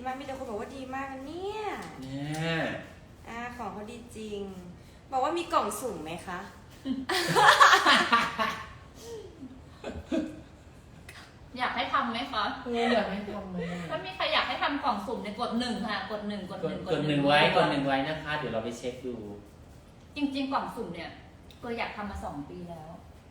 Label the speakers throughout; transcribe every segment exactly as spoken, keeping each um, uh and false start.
Speaker 1: มากมีแต่คนบอกว่าดีมากนะเนี่ย
Speaker 2: เนี่ย
Speaker 1: อ่าของเขาดีจริง บอกว่ามีกล่องสุ่มไหมคะ
Speaker 3: อยากให้ทำไหมคะ
Speaker 2: เอออยากให้ทำไหม
Speaker 3: ถ้ามีใครอยากให้ทำกล่องสุ่มในกดหนึ่งค่ะ กดหนึ่งกด
Speaker 2: ก
Speaker 3: ห
Speaker 2: ด
Speaker 3: นึ่ง
Speaker 2: กดหนึ่งไว้กดหนึ่งไว้นะคะ เดี๋ยวเราไปเช็คดู
Speaker 3: จริงๆกล่องสุ่มเนี่ยก็อยากทำมาสองปีแล้ว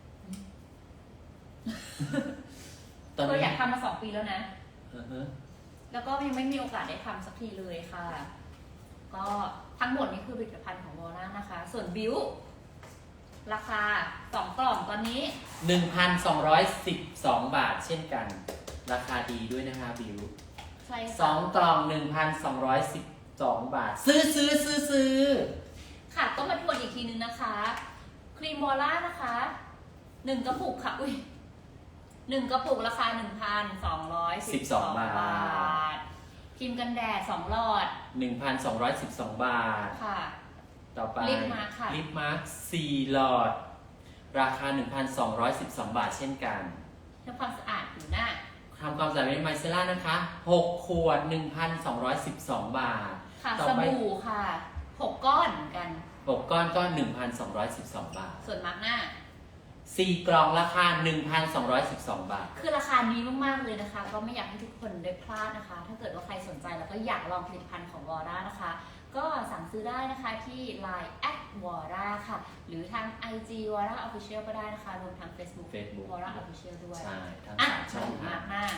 Speaker 2: ตอน
Speaker 3: ก็
Speaker 2: นี้
Speaker 3: อยากทำมาสองปีแล้วนะ
Speaker 2: อือฮะ
Speaker 3: แล้วก็ยังไม่มีโอกาสได้ทำสักทีเลยค่ะ ก็ทั้งหมดนี้คือผลิตภัณฑ์ของวอร่านะคะ ส่วนบิวราคาสองกล่องตอนนี้
Speaker 2: หนึ่งพันสองร้อยสิบสองบาทเช่นกัน ราคาดีด้วยนะคะบิว
Speaker 3: ใช่
Speaker 2: สองกล่องหนึ่งพันสองร้อยสิบสองบาท ซื้อซื้อซื้อซื้อ
Speaker 3: ค่ะก็มาทวนอีกทีนึงนะคะ ครีมวอร่านะคะหนึ่งกระปุกค่ะอุ้ยหนึ่งกระปุกราคาหนึ่งพันสองร้อยสิบสองบาทครีมกันแดดสองหลอด
Speaker 2: หนึ่งพันสองร้อยสิบสองบาท
Speaker 3: ค่ะ
Speaker 2: ต่อไป
Speaker 3: ลิปมาร์คค่ะ
Speaker 2: ลิปมาร์คสี่หลอด ราคา หนึ่งพันสองร้อยสิบสองบาทเช่นกัน
Speaker 3: ทำความสะอาดผิวหน้า
Speaker 2: ทำความสะอาดเป็นไมเซล่านะคะหกขวด หนึ่งพันสองร้อยสิบสองบาท
Speaker 3: ค่ะ
Speaker 2: ต่อ
Speaker 3: ส
Speaker 2: ไป
Speaker 3: บู่ค่ะหกก้อนเหมือนกัน
Speaker 2: หกก้อนก็ หนึ่งพันสองร้อยสิบสองบาท
Speaker 3: ส่วนมาร์กหน้า
Speaker 2: สี่กล่องราคา หนึ่งพันสองร้อยสิบสองบาท
Speaker 3: คือราคานี้มากๆเลยนะคะ ก็ไม่อยากให้ทุกคนได้พลาดนะคะ ถ้าเกิดว่าใครสนใจแล้วก็อยากลองผลิตภัณฑ์ของวอร่านะคะ ก็สั่งซื้อได้นะคะที่ ไลน์ แอท วอร่า ค่ะ หรือทาง ไอ จี วอร่า ออฟฟิเชียล ก็ได้นะคะ รวมทั้ง Facebook
Speaker 2: Facebook
Speaker 3: วอร่า ออฟฟิเชียล ด้วย
Speaker 2: ใช่ ทั้ง
Speaker 3: อ่ะ
Speaker 2: สามช่อง
Speaker 3: มา
Speaker 2: ทาง
Speaker 3: กหน้า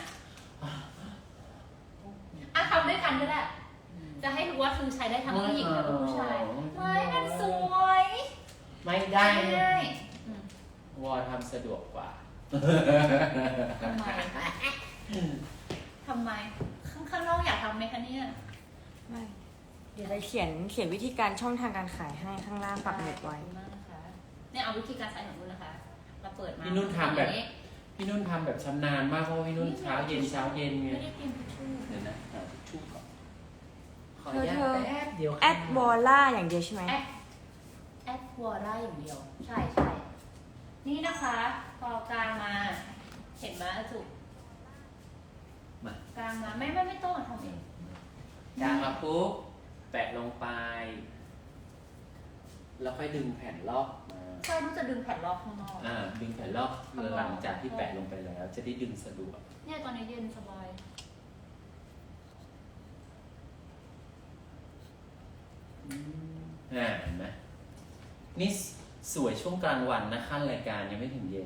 Speaker 3: อ่ะทำด้วยกันก็ได้ จะให้รู้ว่าคือใช้ได้ทั้งผู้หญิงและผู้ชายไม่มันสวย
Speaker 2: ไม่ได้
Speaker 3: ไม่ได้อืม
Speaker 2: วอทำสะดวกกว่า
Speaker 3: ทำไม ทำไม ข้างข้างนอกอยากทำไหมคะเนี่ย
Speaker 1: ไม่ เดี๋ยวเราเขียนเขียนวิธีการช่องทางการขายให้ข้างล่างปักหมุดไว้
Speaker 3: ขอบคุณมากนะคะเนี่ยเอาวิธีการใช้ของนุ่นนะคะ เราเปิดมา
Speaker 2: พี่นุ่นทำแบบ
Speaker 3: อั
Speaker 2: พี่นุ่นทำแบบชำนาญมากเพราะว่าพี่นุ่นเช้าเย็นเช้าเย็นไง
Speaker 3: ไม่ได้เตรียมทิชชู่
Speaker 2: เดี๋ยวนะหาทิชชู่ก่อนขออ
Speaker 1: เธ
Speaker 2: นุ
Speaker 1: อ
Speaker 2: ญา
Speaker 1: เธ
Speaker 2: ต
Speaker 1: อ
Speaker 2: แป๊บเดียว
Speaker 1: แอดวอล่าอย่างเดียวใช่ไหม
Speaker 3: แอดแอดวอร่าอย่างเดียว ใช่ใช่นี่นะคะ พอกลางมา เห็นไหมอาจุก
Speaker 2: มาก
Speaker 3: ลางมาไม่ไม่ไม่ต้องทำเอง
Speaker 2: กางมาปุ๊บแปะลงไป แล้วค่อยดึงแผ่นลอกมา
Speaker 3: ใช่นุ่นจะดึงแผ่นรอบข้างนอก
Speaker 2: อ่าดึงแผ่นลอกหลังจากที่แปะลงไปแล้ว จะได้ดึงสะดวก
Speaker 3: เนี่ยตอนนี้เย็นสบาย
Speaker 2: อ่าเห็นไหมนี่สวยช่วงกลางวันนะขั้นรายการยังไม่ถึงเย็น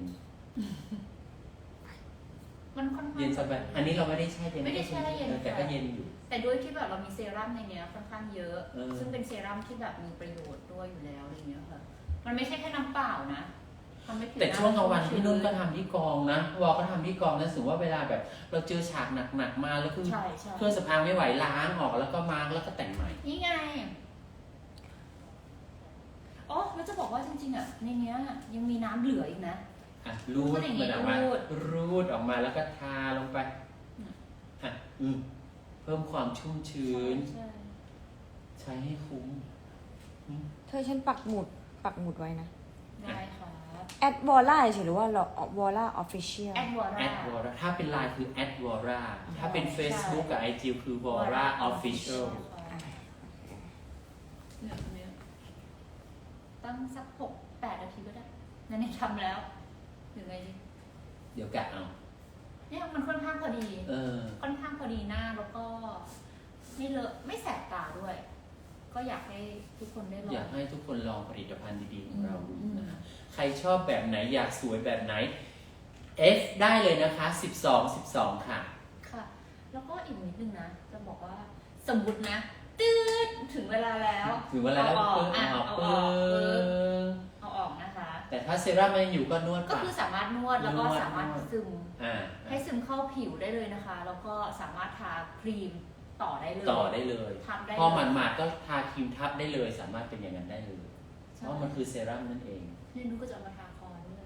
Speaker 3: มันค่อนข้าง
Speaker 2: เย็นสบายอันนี้เราไม่ได้แช่เย็น
Speaker 3: ไม่ได้แช่เย็น
Speaker 2: แต่ก็เย็นอยู่
Speaker 3: แต่ด้วยที่แบบเรามีเซรั่มในเนี้ยค่อนข้างเยอะ
Speaker 2: เออ
Speaker 3: ซึ่งเป็นเซรั่มที่แบบมีประโยชน์ด้วยอยู่แล้วอะไรเงี้ยค่ะ มันไม่ใช่แค่น้ำเปล่านะทำให้ผิว
Speaker 2: แต่ช่วงกลางวัน
Speaker 3: ชุ่ม
Speaker 2: พี่นุ่นก็
Speaker 3: ชื้
Speaker 2: ทำที่กองนะวอก็ทำที่กองนะถึงว่าเวลาแบบ เราเจอฉากหนักๆมาแล้วคือ
Speaker 3: ใช่ใช่
Speaker 2: เครื่องสำอางไม่ไหวล้างออกแล้วก็มาร์กแล้วก็แต่งใหม่
Speaker 3: นี่ไงอ๋อแล้วจะบอกว่าจริงๆอ่ะในเนี้ยยังมีน้ำเหลืออีกนะ
Speaker 2: อ่ะรูด
Speaker 3: ก็อย่างงี้
Speaker 2: มันออกมา
Speaker 3: รูด
Speaker 2: รูดออกมาแล้วก็ทาลงไป
Speaker 3: อืม
Speaker 2: อ่ะอืมเพิ่มความชุ่มชื้น
Speaker 3: ใช่
Speaker 2: ใช้ให้คุ้มอืม
Speaker 1: เธอฉันปักหมุดปักหมุดไว้นะ
Speaker 3: ได้ค่ะ
Speaker 1: แอดวอล่าเฉยหรือว่าวอล่าออฟฟิเชียล
Speaker 3: แอดวอร่า
Speaker 2: แอดวอร่าถ้าเป็นไลน์คือแอดวอร่าถ้าเป็น
Speaker 3: ใช่
Speaker 2: Facebook กับ ไอ จี คือวอร่าออฟฟิเชียล
Speaker 3: เนี่ยตรงเนี้ยตั้งสักหกแปดนาทีก็ได้นั่นนี่ทำแล้วหรือไงดี
Speaker 2: เดี๋ยวกะเอา
Speaker 3: เนี่ยมันค่อนข้างพอดี
Speaker 2: เออ
Speaker 3: ค่อนข้างพอดีหน้าแล้วก็ไม่เลอะไม่แสบตาด้วย ก็อยากให้ทุกคนได้ลอ
Speaker 2: อยาง กให้ทุกคนลองผลิตภัณฑ์ดีๆของเราดู
Speaker 3: อืม
Speaker 2: นะฮะใครชอบแบบไหนอยากสวยแบบไหน F ได้เลยนะคะสิบสอง สิบสองค่ะ
Speaker 3: ค่ะ แล้วก็อีกนิดนึงนะ จะบอกว่าสมมตินะตืดถึงเวลาแล้ว
Speaker 2: ถึงเวลาแล้ว
Speaker 3: เอาออก
Speaker 2: เพิ่ง
Speaker 3: อ่ะ
Speaker 2: เอาออก
Speaker 3: เอาออก
Speaker 2: เพิ่ง
Speaker 3: เอาออกนะคะ
Speaker 2: แต่ถ้าเซรั่มมันยังอยู่ก็นวด
Speaker 3: ก็
Speaker 2: ปาก
Speaker 3: คือสามารถนวดแล้วก็
Speaker 2: นวด
Speaker 3: สามารถ
Speaker 2: นวด
Speaker 3: ซึม
Speaker 2: อ่า
Speaker 3: ให้ซึมเข้าผิวได้เลยนะคะ แล้วก็สามารถทาครีมต่อได้เลย
Speaker 2: ต่อได้เลย
Speaker 3: ทับได้
Speaker 2: พอ
Speaker 3: เลย
Speaker 2: หมาดๆก็ทาครีมทับได้เลย สามารถเป็นอย่างนั้นได้เลย เพ
Speaker 3: ใช่
Speaker 2: ราะมันคือเซรั่มนั่นเอง
Speaker 3: นี่นุ้ก็จะเอามาทาคอด้วย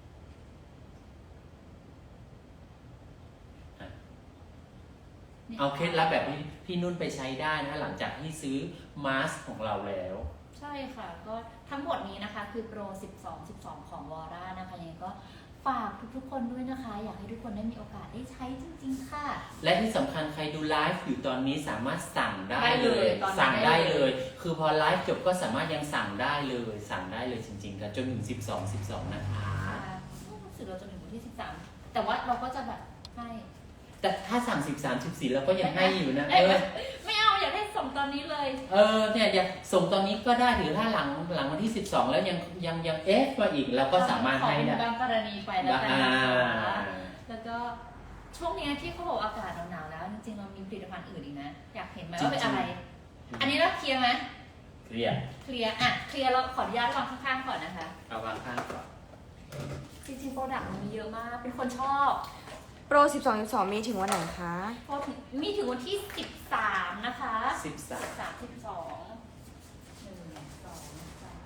Speaker 2: อ่ะ
Speaker 3: นี่ย
Speaker 2: เอาเคล็ดลับแบบนี้พี่นุ่นไปใช้ได้นะหลังจากที่ซื้อมาสก์ของเราแล้ว
Speaker 3: ใช่ค่ะ ก็ทั้งหมดนี้นะคะคือโปร สิบสอง สิบสอง ของวอร่านะคะยังไงก็ฝฝากทุกๆคนด้วยนะคะ อยากให้ทุกคนได้มีโอกาสได้ใช้จริงๆค่ะ
Speaker 2: และที่สำคัญใครดูไลฟ์อยู่ตอนนี้สามารถสั่งได้
Speaker 3: ได้
Speaker 2: เล
Speaker 3: เลย ยตอนนี้
Speaker 2: สั่งได้
Speaker 3: ได้
Speaker 2: เล
Speaker 3: เลย ย
Speaker 2: คือพอไลฟ์จบก็สามารถยังสั่งได้เลย สั่งได้เลยจริงๆกันจนถึงสิบสอง สิบสองนะคะ
Speaker 3: รู้สึกเราจะถึงวันที่สิบสามแต่ว่าเราก็จะแบบให้
Speaker 2: แต่ถ้าสั่งสิบสาม สิบสี่เราก็ยังให้อยู่นะ
Speaker 3: เอ้
Speaker 2: เอย อ
Speaker 3: ไม่เอาอยากให้ส่งตอนนี้เลย
Speaker 2: เออเนี่ยอยากส่งตอนนี้ก็ได้หรือถ้าหลังหลังวันที่สิบสองแล้วยังยังยังเอฟมาอีกเราก็สามารถให้
Speaker 3: ขอ
Speaker 2: ได้
Speaker 3: เป็นบางกรณีไปแล้วกัน
Speaker 2: อ่า
Speaker 3: นะคะแล้วก็ช่วงเนี้ยที่เขาบอกอากาศหนาวๆแล้วจริงๆเรามีผลิตภัณฑ์อื่นอีกนะ อยากเห็นไหมว่าเป็นอะไร อันนี้เราเคลียร์ไหม
Speaker 2: เคลียร์
Speaker 3: เคลียร์อ่ะเคลียร์เราขออนุญาตวางข้างๆก่อนนะคะ
Speaker 2: เอาวางข้างก่อน
Speaker 3: จริงๆโปรดักต์มันมีเยอะมาก เป็นคนชอบ
Speaker 1: โปรสิบสอง สิบสองมีถึงวันไหนคะ
Speaker 3: พอถึงมีถึงวันที่สิบสามนะคะ
Speaker 2: สิบสาม
Speaker 3: สามสิบสองหนึ่งสองสาม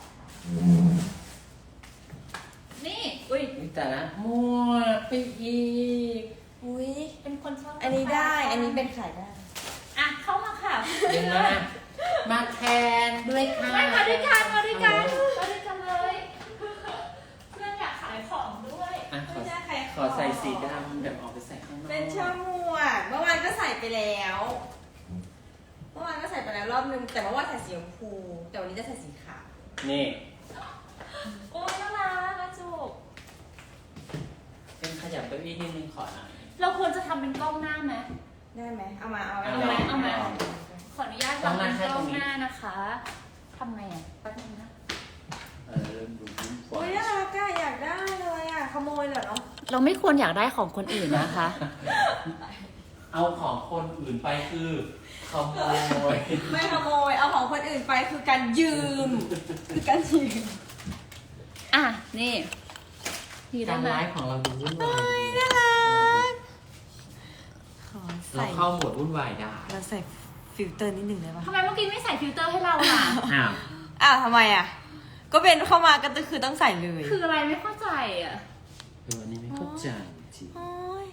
Speaker 3: นี่ อุ้ย
Speaker 2: นี่แต่ละมั่วไปอีก
Speaker 1: อุ้ย
Speaker 3: เป็นคนชอบ
Speaker 1: อันนี้ได้ อันนี้เป็นขายได้
Speaker 3: อ่ะ เข้ามาค่ะ
Speaker 2: เดี๋ยวนะมาแทนด้วยค่ะ
Speaker 3: ไม่มาด้วยกันมาด้วยกันมาด้วยกันเลย เพื่อนอยากขายของด้วย
Speaker 2: อ่ะขอ
Speaker 1: ไม่ใช่ใคร
Speaker 2: ขอใส่สีดำแบบออกไปใส่ข้างนอก
Speaker 1: เป็นช่อหมวกเมื่อวานก็ใส่ไปแล้ว เมื่อวานก็ใส่ไปแล้วรอบนึง แต่เมื่อวานใส่สีชมพู แต่วันนี้จะใส่สีขาว
Speaker 2: นี่
Speaker 3: โอ้ยน่ารักนะจุก
Speaker 2: เป็นขยับเก้าอี้นิดนึงขอหน่อย
Speaker 3: เราควรจะทำเป็นกล้องหน้าไหม
Speaker 1: ได้ไหม เอามา เอา
Speaker 3: เอาไหมเอาไหม ขออนุญาตวางเป็นกล้องหน้านะคะทำไงอ่ะแป๊บนึงนะ
Speaker 2: เออเริ่มดูยิ้มกว่า
Speaker 1: โอ้ยน่ารักอะอยากได้เลยอะขโมยเหรอเนาะ
Speaker 3: เราไม่ควรอยากได้ของคนอื่นนะคะ
Speaker 2: เอาของคนอื่นไปคือขโมย
Speaker 1: ไม่ขโมย เอาของคนอื่นไปคือการยืม คือการยืม
Speaker 3: อ่ะ นี่ดีได้
Speaker 2: การ
Speaker 3: ไหม
Speaker 2: ไลฟ์ของเราดูวุ่นวาย
Speaker 1: น่ารัก ขอ
Speaker 2: เรา
Speaker 1: ใส่
Speaker 2: เข้าโหมดวุ่นวายได้
Speaker 1: เราใส่ฟิลเตอร์นิดหนึ่งได้ปะ
Speaker 3: ทำไมเมื่อกี้ไม่ใส่ฟิลเตอร์ให้เราล่ะ
Speaker 2: อ้าว
Speaker 1: อ้าวทำไมอะก็เป็นเข้ามาก็คือต้องใส่เลย
Speaker 3: คืออะไรไม่เข้าใจอ่ะ
Speaker 2: เอออันนี้ไม่เข้าใจจริง
Speaker 1: โอ้ย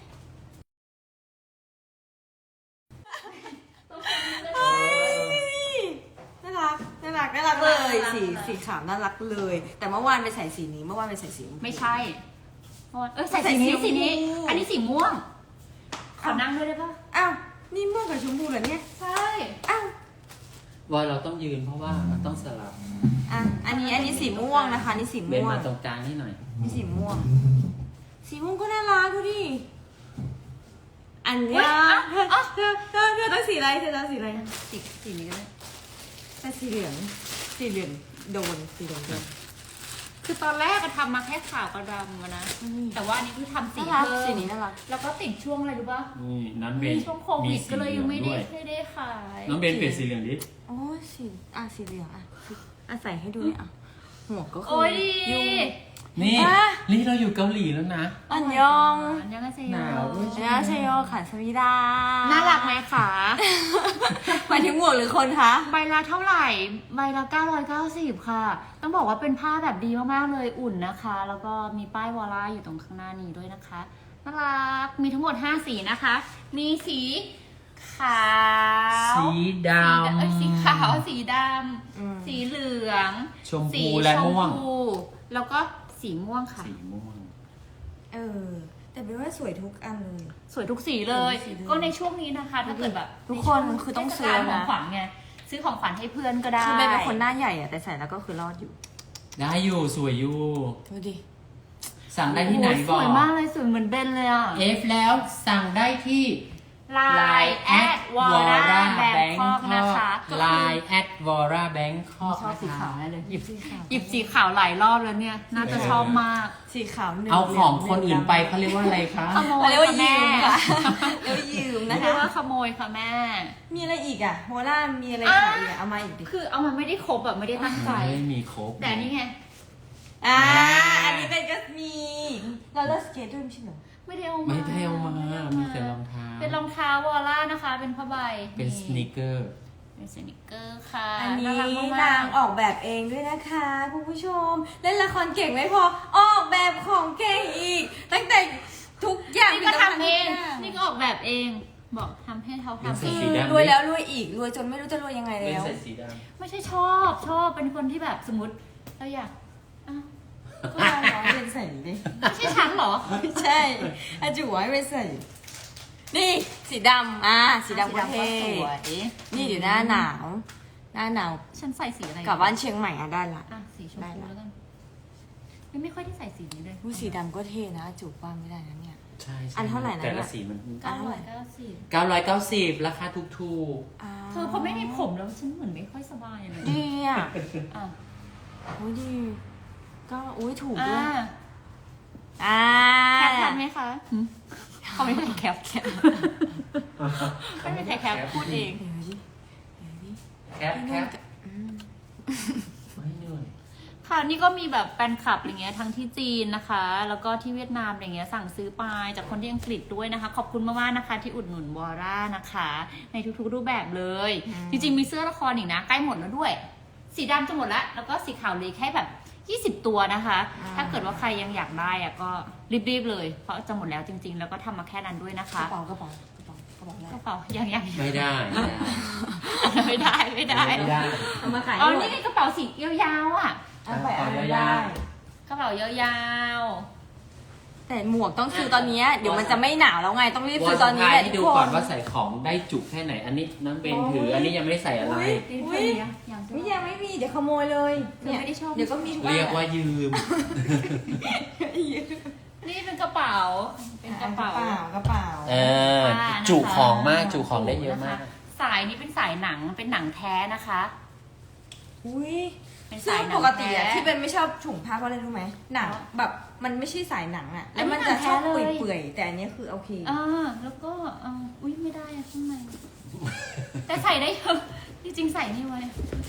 Speaker 1: น่ารัก น่ารัก น่ารักเลย สี สีขาวน่ารักเลย แต่เมื่อวานไปใส่สีนี้ เมื่อวานไปใส่สีชพู
Speaker 3: ไม่ใช่เออใส่สีนี้สีนี้ อันนี้สีม่วง ขอนั่งด้วยได้ปะ
Speaker 1: อ้าว นี่ม่วงกับชมพูเหรอเนี่ย
Speaker 3: ใช่
Speaker 1: อ้าว
Speaker 2: ว่าเราต้องยืนเพราะว่ามันต้องสลับ
Speaker 1: อ่ะ อันนี้ อันนี้สีม่วงนะคะ นี่สี
Speaker 2: เบน
Speaker 1: ม่วง
Speaker 2: มาตรงกลางนี่หน่อย
Speaker 1: นี่สีม่วง สีม่วงก็น่ารักดูดิ อันเนี้ยเธอเธอเธอเธอต้องสีอะไร เธอต้องสีอะไร
Speaker 3: สีสีนี้ก็ได้
Speaker 1: แต่สีเหลือง สีเหลืองโดน สีเหลืองโดน
Speaker 3: คือตอนแรกก็ทำมาแค่ขาวกับดำอะนะ แต่ว่าอันนี้คือทำสี
Speaker 1: น่ารัก
Speaker 3: เพิ่ม
Speaker 1: สีนี้น่ารัก
Speaker 3: แล้วก็ติดช่วงอะไรรู้ป่ะ
Speaker 2: นี่น้องเบ
Speaker 3: มี
Speaker 2: น
Speaker 3: ช่วงโควิดก็เลยยังไม่ได้ไม่ได้ขาย
Speaker 2: น้องเบนเปลี่ยนสีเหลืองดิ
Speaker 1: โอ้ยสีอ่ะสีเหลืองอ่ะอ่ะใส่ให้ดูเนี่ยอ่ะหัวก็คื
Speaker 3: โอ้ยดี
Speaker 1: ยุ่ง
Speaker 2: นี่
Speaker 1: อ่ะ
Speaker 2: นี่เราอยู่เกาหลีแล้วนะ
Speaker 1: อันยอง
Speaker 3: อันยังไงเซ
Speaker 2: หนาวด้วย
Speaker 1: อันยองเชโยขันสวีดา
Speaker 3: น่ารักไหมคะ
Speaker 1: หมายถึงหมวกหรือคนคะ
Speaker 3: ใบละเท่าไหร่ ใบละเก้าร้อยเก้าสิบค่ะ ต้องบอกว่าเป็นผ้าแบบดีมากๆเลยอุ่นนะคะ แล้วก็มีป้ายวอลล่าอยู่ตรงข้างหน้านี้ด้วยนะคะน่ารักมีทั้งหมดห้าสีนะคะ มีสีขาว
Speaker 2: สีด
Speaker 3: เอ้ยสีขาวสีด
Speaker 1: อืม
Speaker 3: ำสีเหลือง
Speaker 2: ำชม
Speaker 3: สี
Speaker 2: พูและม่วง
Speaker 3: ชพูแล้วก็สีม่วงค่ะ
Speaker 2: สีม่วง
Speaker 1: เออ แต่เป็นว่าสวยทุกอันเลย
Speaker 3: สวยทุกสีเลย
Speaker 1: สวยทุกสีเลย
Speaker 3: ก็ในช่วงนี้นะคะ ถ้าเกิดแบบ
Speaker 1: ทุกคนคือต้องซื้อ
Speaker 3: เทศกาลข
Speaker 1: นะ
Speaker 3: องขวัญไงซื้อของขวัญให้เพื่อนก็ได้
Speaker 1: คือเป็นคนหน้าใหญ่อะแต่ใส่แล้วก็คือรอดอยู่
Speaker 2: ได้อยู่สวยอยู่
Speaker 1: ดูดิ
Speaker 2: สั่งได้ที่ไหน
Speaker 3: โอ้ย
Speaker 2: บ
Speaker 3: ส
Speaker 2: อก
Speaker 3: วยมากเลยสวยเหมือนเบนเลยอ่ะ
Speaker 2: เอฟแล้วสั่งได้ที่
Speaker 3: ไลน์แอดวอร่าแบงคอกนะคะ
Speaker 2: ไลน์แอดวอร่าแบงคอก
Speaker 1: ชอบสีขาวแน่เลย
Speaker 3: หยิบ
Speaker 1: สีขาว
Speaker 3: หยิบสีขาวหลายรอบแล้วเนี่ย น่าจะชอบมาก
Speaker 1: สีขาวหนึ่ง
Speaker 2: เอาของคนอื่นไปเขาเรียกว่าอะไรคะ
Speaker 3: ขโม
Speaker 1: เขา
Speaker 3: ย
Speaker 1: เรียกว่า
Speaker 3: ค่ะ
Speaker 1: ยื
Speaker 3: แม่
Speaker 1: มค่ะเรียกว่ายืม
Speaker 3: ไม่
Speaker 1: นะ
Speaker 3: ได้
Speaker 1: คะ
Speaker 3: ว่าขโมยค่ะแม่
Speaker 1: มีอะไรอีกอ่ะโฮล่ามีอะไรขายอีกอะเอามาอีกดิ
Speaker 3: คือเอามันไม่ได้ครบแบบไม่ได้ตั้งใจ
Speaker 2: ไม่มีครบ
Speaker 3: แต่นี่ไง
Speaker 1: อ่า อันนี้เป็นก็มีเราเลิกสเก็ตด้วยไม่ใช่เหรอ
Speaker 3: ไม่ได้เอามา
Speaker 2: ไม่ได้เอามามีแต่รองเท้า
Speaker 3: เป็นรองเท้าวอลล่านะคะ เป็นผ้าใบ
Speaker 2: เป็นสนิเกอร์
Speaker 3: เป็นสนิเกอร์ค่ะ
Speaker 1: อันนี้
Speaker 3: ารักมากๆ
Speaker 1: นางออกแบบเองด้วยนะคะคุณผู้ชม เล่นละครเก่งไม่พอ ออกแบบของเก่งอีก ตั้งแต่ทุกอย่าง
Speaker 3: นี่ก็ทำเอง
Speaker 1: ทุกอย่าง
Speaker 3: นี่ก็ออกแบบเอง บอกทำให้เขาทำ
Speaker 2: ใส่
Speaker 3: เอ
Speaker 2: สี
Speaker 3: ง
Speaker 2: ดำ
Speaker 1: รวยแล้วรวยอีก รวยจนไม่รู้จะรวยยังไง
Speaker 2: เป็น
Speaker 1: แล้ว
Speaker 2: ใส่สีด
Speaker 3: ไม่ใช่ชอบชอบเป็นคนที่แบบสมมติเราอยากอ่ะ
Speaker 1: ก็เอาร้อยเป็นใส่ดิ
Speaker 3: ไม่ใช่ฉันเหรอ
Speaker 1: ไม่ใช่อาจูไว้เป็นใส่นี่สีดำอ่ะสีดำก็เท่
Speaker 3: สวย
Speaker 1: นี่เดี๋ยวหน้าหนาว หน้าหนาว
Speaker 3: ฉันใส่สีอะไร
Speaker 1: กลับบ้านเชียงใหม่อ่ะได้ละ
Speaker 3: อ่ะสีชม
Speaker 1: ได้
Speaker 3: พู
Speaker 1: ละ
Speaker 3: แล้วกันไม่ไม่ค่อยได้ใส่สีนี้เลย
Speaker 1: ผู้สีดำก็เท่นะจูบว่าไม่ได้นะเนี่ย
Speaker 2: ใช่ใช่
Speaker 1: อันเท่าไหร่นะ
Speaker 2: แต่ละสีมัน
Speaker 3: เก้าร้อยเก้าสิบ
Speaker 2: เก้าร้อยเก้าสิบราคาถูก
Speaker 1: อ่า
Speaker 3: เธอพอไม่มีผมแล้วฉันเหมือนไม่ค่อยสบายเลย
Speaker 1: ดีอ่ะ
Speaker 3: อ่ะ
Speaker 1: โอ้ยดีก็อุ้ยถูก
Speaker 3: อ่
Speaker 1: ด้วย
Speaker 3: า
Speaker 1: อ่า
Speaker 3: แคปทันไหมคะเขาไม่มีใครแคปแคปไม่มีใครแคปพูดเอง
Speaker 1: เดี๋ยวดิเดี๋ยวดิ
Speaker 2: ๆแคปแคป
Speaker 1: อืม
Speaker 2: ไม่เหนื่อย
Speaker 3: ค่ะนี่ก็มีแบบแฟนคลับอะไรเงี้ยทั้งที่จีนนะคะ แล้วก็ที่เวียดนามอะไรเงี้ยสั่งซื้อไปจากคนที่อังกฤษด้วยนะคะ ขอบคุณมากๆนะคะ ที่อุดหนุนวอร่านะคะ ในทุกๆรูปแบบเลย จริงๆมีเสื้อละครอีกนะใกล้หมดแล้วด้วย สีดำจะหมดแล้วแล้วก็สีขาวเหลยแค่แบบยี่สิบตัวนะคะ ถ้าเกิดว่าใครยังอยากได้อะก็รีบๆเลยเพราะจะหมดแล้วจริง ๆ แล้วก็ทำมาแค่นั้นด้วยนะ
Speaker 1: ก
Speaker 3: คะ
Speaker 1: ระเป๋ากระเป๋ากระเป๋ากระเป๋าอะไร
Speaker 3: กระเป๋ายังยัง
Speaker 2: ไม่ได้ไม่ได้
Speaker 3: ไม่ได้ไม่ได้
Speaker 2: ไม่ได้
Speaker 1: เอามาขาย
Speaker 3: อ๋อ
Speaker 1: หมด
Speaker 3: นี่ไงกระเป๋าสียาวๆอ่ะ
Speaker 1: เอาไปเอา
Speaker 2: เอา
Speaker 1: ได้
Speaker 2: ยาว
Speaker 3: กระเป๋ายาว
Speaker 1: แต่หมวกต้องซื้อตอนเนี้ยเดี๋ยวมันจะไม่หนาวแล้วไงต้องรีบ
Speaker 2: วอ
Speaker 1: ซื้อ
Speaker 2: ล
Speaker 1: ต
Speaker 2: ส
Speaker 1: อนนี้
Speaker 2: ไพาย
Speaker 1: แหละ
Speaker 2: ให้
Speaker 1: ทุ
Speaker 2: ดู
Speaker 1: กค
Speaker 2: ก่อน
Speaker 1: น
Speaker 2: ว่าใส่ของได้จุกแค่ไหน อันนี้น้ำเบนถือ อันนี้ยังไม่ได้ใส่อะไร
Speaker 1: อุ๊ย
Speaker 3: ๆนี่
Speaker 1: อุ๊
Speaker 3: เธ
Speaker 1: ย
Speaker 3: อยังยัง
Speaker 1: ไม่ยังไม่มีเดี๋ยวขโมยเลย
Speaker 3: เธอไม่ได้ชอบ
Speaker 1: เดี๋ยวก็มีทุก
Speaker 2: เรียกว่ายืม
Speaker 3: นี่เป็นกระเป๋า เป็นกระเป๋า
Speaker 1: กระเป๋า
Speaker 2: เออ
Speaker 3: ผ้านะคะ
Speaker 2: จุของมากจุของได้เยอะมาก
Speaker 3: นคสายนี้เป็นสายหนังเป็นหนังแท้นะคะ
Speaker 1: อุ้ย
Speaker 3: เป็น
Speaker 1: ซึ่
Speaker 3: สาง ยหนั
Speaker 1: ป
Speaker 3: ง
Speaker 1: กติอะ
Speaker 3: แท้
Speaker 1: ที่เป็นไม่ชอบถุงผ้าเพราะอะไรรู้ไหมหนังแบบมันไม่ใช่สายหนังอะแล้วมันจะชอบ
Speaker 3: อันนี้หนังแท้เลย
Speaker 1: เปื่อยๆแต่อันนี้คือโอเค
Speaker 3: อ่าแล้วก็อ่าอุ้ยไม่ได้อะข้างในแต่ใส่ได้เยอะจริงๆใส่นี่ไว้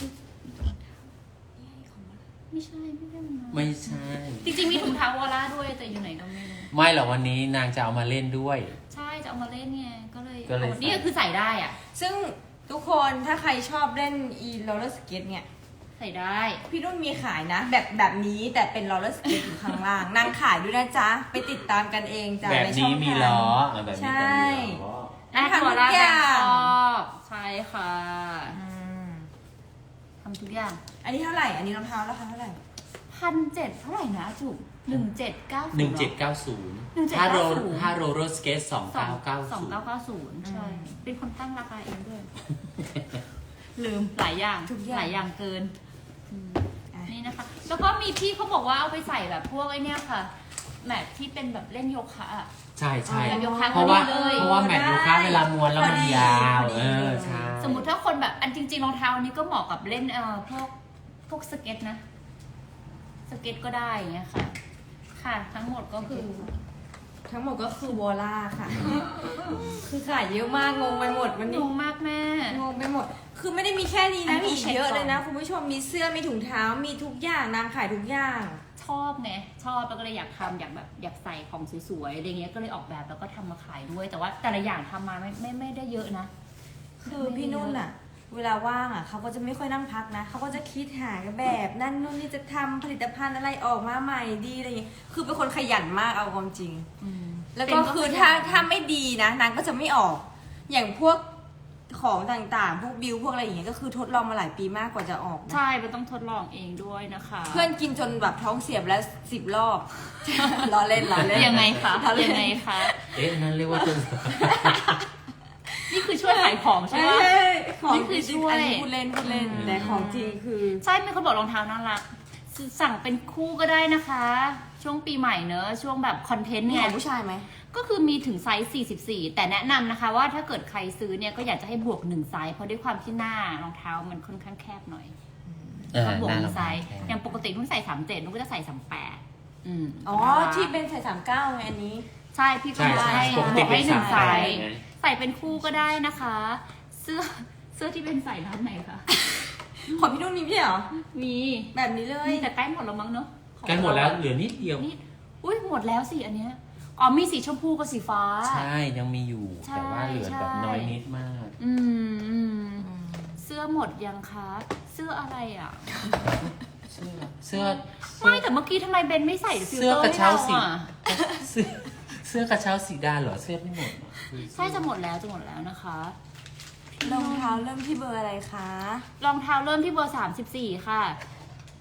Speaker 3: ไม่ใช่ไม่ได้มันมา
Speaker 2: ไม่ใช่
Speaker 3: จริงๆมีถุงเท้าวอล่าด้วยแต่อยู่ไหนก็ไม่รู้
Speaker 2: ไม่หรอกวันนี้นางจะเอามาเล่นด้วย
Speaker 3: ใช่จะเอามาเล่นไงก็เลย
Speaker 2: ก็เลย
Speaker 3: อานี่ก็คือใส่ได้อ่ะ
Speaker 1: ซึ่งทุกคนถ้าใครชอบเล่นอีโรลเลอร์สเก็ตเนี่ย
Speaker 3: ใส่ได้
Speaker 1: พี่นุ่นมีขายนะ แบบแบบนี้แต่เป็นโรลเลอร์สเก็ตอยู่ข้างล่างนางขายด้วยนะจ๊ะ ไปติดตามกันเองจ้ะ
Speaker 2: แบบ
Speaker 1: ในช่อ
Speaker 2: นี้
Speaker 1: ง
Speaker 2: มี
Speaker 1: ทาง
Speaker 2: ล้ออ่ะแบบนี้ก็มีล้อ
Speaker 3: ได้
Speaker 1: ทำ
Speaker 3: ว
Speaker 1: ทุ
Speaker 3: อก ล่า
Speaker 1: อ
Speaker 3: แบ
Speaker 1: ย่าง
Speaker 3: งคอกใช่ค่ะ
Speaker 1: อืม
Speaker 3: ทำทุกอย่าง
Speaker 1: อันนี้เท่าไหร่ อันนี้รองเท้าราคาเท่าไหร่
Speaker 3: พันเจ็ดเท่าไหร่นะจุ๊บหนึ่งเจ็ดเก้า
Speaker 2: หนึ่งเจ็ดเก้าศูนย์
Speaker 3: หนึ่งเจ็ด
Speaker 2: ถ้าโร
Speaker 3: เก้าศูนย์
Speaker 2: ถ้าโรลเลอร์สเกตสอง
Speaker 3: สอง
Speaker 2: เก้าเก้า
Speaker 3: สอง
Speaker 2: ศูนย์
Speaker 3: เก้าเก้าศูนย์ใช่
Speaker 1: อืม
Speaker 3: เป็นคนตั้งราคาเองด้วย ลืมหลายอย่าง
Speaker 1: ทุกอย่าง
Speaker 3: หลายอย่างเกินอืม
Speaker 1: อ่ะ
Speaker 3: นี่นะคะ แล้วก็มีพี่เขาบอกว่าเอาไปใส่แบบพวกไอ้เนี่ยค่ะ แมทที่เป็นแบบเล่นโยคะอะ
Speaker 2: ใช่ใช่
Speaker 3: แบบโยคะ
Speaker 2: เพราะว่า
Speaker 3: ก็ดีเลย
Speaker 2: เพราะว่าแมทโยคะเวลาม้วนแล้วมันยาว
Speaker 1: พอดี
Speaker 2: เออใช่
Speaker 3: สมมติถ้าคนแบบอันจริงๆรองเท้านี้ก็เหมาะกับเล่นเอ่อพวกพวกสเก็ตนะ สเก็ตก็ได้อย่างเงี้ยค่ะ ค่ะ ทั้งหมดก็คือ
Speaker 1: ทั้งหมดก็คือวอล่าค่ะ คือขายเยอะมากงงไปหมดวัน
Speaker 3: ง
Speaker 1: นี้
Speaker 3: งมากแม่
Speaker 1: งงไปหมด คือไม่ได้มีแค่นี้
Speaker 3: อั
Speaker 1: นะ
Speaker 3: นนี้
Speaker 1: มีอีก
Speaker 3: เช็ค
Speaker 1: เยอะ
Speaker 3: ก่อน
Speaker 1: เลยนะคุณผู้ชมมีเสื้อมีถุงเท้ามีทุกอย่างนางขายทุกอย่าง
Speaker 3: ชอบไงชอบแล้วก็เลยอยากทำอยากแบบอยากใส่ของสวยๆอะไรเงี้ยก็เลยออกแบบแล้วก็ทำมาขายด้วย แต่ว่าแต่ละอย่างทำมาไม่ไม่ไม่ได้เยอะนะ
Speaker 1: คือพี่นุ่นอะเวลาว่างอะเขาก็จะไม่ค่อยนั่งพักนะเขาก็จะคิดหาแบบนั่นนู่นนี่จะทำผลิตภัณฑ์อะไรออกมาใหม่ดีอะไรอย่างเงี้ยคือเป็นคนขยันมากเอาความจริง
Speaker 3: อืม
Speaker 1: แล้วก็คือถ้าถ้าไม่ดีนะนางก็จะไม่ออก อย่างพวกของต่างๆ พวกบิวพวกอะไรอย่างเงี้ยก็คือทดลองมาหลายปีมากกว่าจะออกนะ
Speaker 3: ใช่มันต้องทดลองเองด้วยนะคะ
Speaker 1: เพื่อนกินจนแบบท้องเสียบแล้วสิบรอบ ล้อเล่นล้อเล่น
Speaker 3: ยังไงคะ
Speaker 1: ล้อเล่น
Speaker 3: ยังไงคะ
Speaker 2: เอ๊ะนั่นเรียกว่าจน
Speaker 3: นี่คือช่วยขายของใช่ไหม
Speaker 1: เอ้ยของ
Speaker 3: นี่คือช่วย
Speaker 1: อันนี้พูดเล่นพูดเล่น
Speaker 3: อืม
Speaker 1: แต่ของจริงคือ
Speaker 3: ใช่มีคนบอกรองเท้าน่ารักสั่งเป็นคู่ก็ได้นะคะ ช่วงปีใหม่เนอะช่วงแบบคอนเทนต์
Speaker 1: มี
Speaker 3: เนี่
Speaker 1: ข
Speaker 3: ย
Speaker 1: องผู้ชายไหม
Speaker 3: ก็คือมีถึงไซส์สี่สิบสี่แต่แนะนำนะคะว่าถ้าเกิดใครซื้อเนี่ยก็อยากจะให้บวกหนึ่งไซส์เพราะด้วยความที่หน้ารองเท้ามันค่อนข้างแคบหน่อย
Speaker 2: เออ
Speaker 3: เขาบวก
Speaker 2: น่า
Speaker 3: ห
Speaker 2: ล
Speaker 3: นึ่
Speaker 2: อง
Speaker 3: งไซส์
Speaker 2: แค่
Speaker 3: อย่างปกตินุ่นใส่สามเจ็ดนุ่นก็จะใส่สามแปดอืม
Speaker 1: อ๋อที่เป็นใส่สามเก้าไงอันนี้
Speaker 3: ใช่พี่ก็
Speaker 2: ใช่ใช่
Speaker 3: ให้
Speaker 2: ปกติ
Speaker 3: บอก
Speaker 2: เป็
Speaker 3: ให้
Speaker 2: น
Speaker 3: หนึ่ง
Speaker 2: สาม
Speaker 3: ไซ
Speaker 2: ไซส์
Speaker 3: ส์
Speaker 2: ไง
Speaker 3: ใส่เป็นคู่ก็ได้นะคะ เสื้อเสื้อที่เป็นใส่ร้านไหนคะ
Speaker 1: ของพี่นุ่นมีพี่เหรอ
Speaker 3: มี
Speaker 1: แบบนี้เลย
Speaker 3: แต่ใกล้หมดแล้วมั้งเนอะของ
Speaker 2: ใกล้หมดแล้วเหลือนิดเดียว
Speaker 3: นี่อุ้ยหมดแล้วสิอันเนี้ยอ๋อมีสีชมพูกับสีฟ้า
Speaker 2: ใช่ยังมีอยู่
Speaker 3: ใช่
Speaker 2: แต่ว่าเหลือแบบ
Speaker 3: ใช่
Speaker 2: น้อยนิดมาก
Speaker 3: อืมอืมเสื้อหมดยังคะ เสื้ออะไรอ่ะ
Speaker 2: เสื้อเสื้อ
Speaker 3: ไม่แต่เมื่อกี้ทำไมเบนไม่ใส่ฟิล
Speaker 2: เสื้
Speaker 3: เต
Speaker 2: อ
Speaker 3: อร์
Speaker 2: กระ
Speaker 3: ให้
Speaker 2: เช้า
Speaker 3: เรา
Speaker 2: สี
Speaker 3: อ่ะ
Speaker 2: เสื้อเสื้อกระเช้าสีดาเหรอเสื้อไม่หมดเหรอ
Speaker 3: ใช่จะหมดแล้วจะหมดแล้วนะคะ
Speaker 1: รองเท้าเริ่มที่เบอร์อะไรคะ
Speaker 3: รองเท้าเริ่มที่เบอร์สามสิบสี่ค่ะ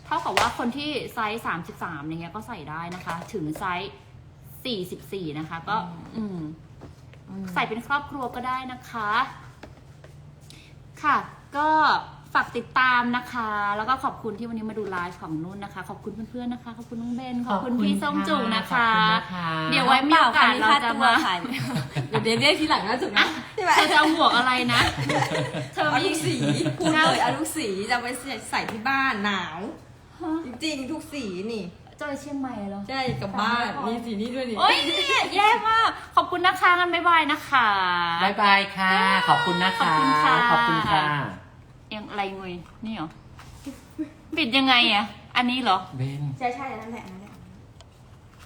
Speaker 3: เท่ากับว่าคนที่ไซส์สามสิบสามอย่างเงี้ยก็ใส่ได้นะคะ ถึงไซส์สี่สิบสี่นะคะ ก็อืมใส่เป็นครอบครัวก็ได้นะคะ ค่ะ ก็ฝากติดตามนะคะ แล้วก็ขอบคุณที่วันนี้มาดูไลฟ์ของนุ่นนะคะ ขอบคุณเพื่อนๆนะคะ ขอบคุณน้องเบน ขอบคุณพี่ส้มจุ๋นะคะ เดี๋ยวไว้มีโอกาสเราจะมา
Speaker 1: เดี๋ยวเดี๋ยวเรียกทีหลังนะจุ๋นะใช่ไหม
Speaker 3: เธอจะเอาหมวกอะไรนะ เธอ
Speaker 1: เอา
Speaker 3: มี
Speaker 1: ลูกสีพูดเลยเอาลูกสีจะไปใส่ที่บ้านหนาว จริงๆทุกสีนี่
Speaker 3: จอยเชียงใหม่เหรอ
Speaker 1: ใช่กับบ้านมีสีนี้ด้วยนี่
Speaker 3: โอ้ยแย่มาก ขอบคุณนะคะกันบ๊ายบายนะคะ
Speaker 2: บายบายค่ะ ขอบคุณนะคะ
Speaker 3: ขอบคุณค่ะ
Speaker 2: ขอบคุณค่ะ
Speaker 3: ยังอะไรงุยนี่เหรอ ปิดยังไงอ่ะ อันนี้เหรอ
Speaker 2: เบน
Speaker 1: ใช่ใช่นั่นแหละนั่นแหละ